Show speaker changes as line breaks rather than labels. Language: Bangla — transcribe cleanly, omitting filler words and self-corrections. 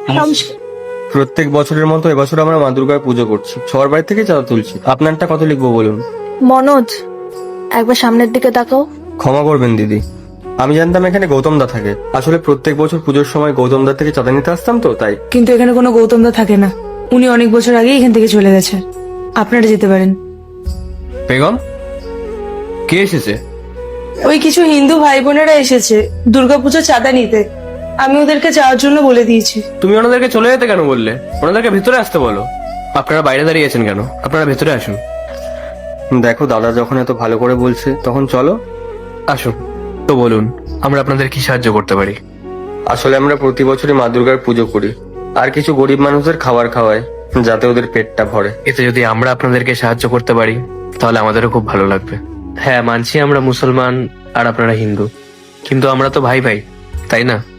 প্রত্যেক বছরের মতো এবছর আমরা মা দুর্গার পুজো করছি, সবার বাড়ি থেকে চাঁদা তুলছি। আপনারটা কত লিখবো বলুন?
মনোজ, একবার সামনের দিকে তাকাও।
ক্ষমা করবেন দিদি, আমি জানতাম এখানে গৌতম দা থাকে। আসলে প্রত্যেক বছর পুজোর সময় গৌতম দা থেকে চাঁদা নিতে আসতাম তো তাই।
কিন্তু এখানে কোনো গৌতম দা থাকে না, উনি অনেক বছর আগে এখান থেকে চলে গেছে। আপনারা যেতে পারেন।
বেগম, কে এসেছে?
ওই কিছু হিন্দু ভাই বোনেরা এসেছে দুর্গাপুজো চাঁদা নিতে, আমি ওদেরকে যাওয়ার জন্য বলে দিয়েছি।
তুমি ওনাদেরকে চলে যেতে কেন বললে? ওনাদেরকে ভেতরে আসতে বলো। আপনারা বাইরে দাঁড়িয়ে আছেন কেন? আপনারা ভেতরে আসুন। দেখো দাদা যখন এত ভালো করে বলছে তখন চলো। আসুন তো, বলুন আমরা আপনাদের কি সাহায্য করতে পারি? আসলে আমরা প্রতি বছরই মা দুর্গার পুজো করি, আর কিছু গরিব মানুষদের খাবার খাওয়াই যাতে ওদের পেটটা ভরে। এতে যদি আমরা আপনাদেরকে সাহায্য করতে পারি তাহলে আমাদেরও খুব ভালো লাগবে। হ্যাঁ মানছি আমরা মুসলমান আর আপনারা হিন্দু, কিন্তু আমরা তো ভাই ভাই, তাই না?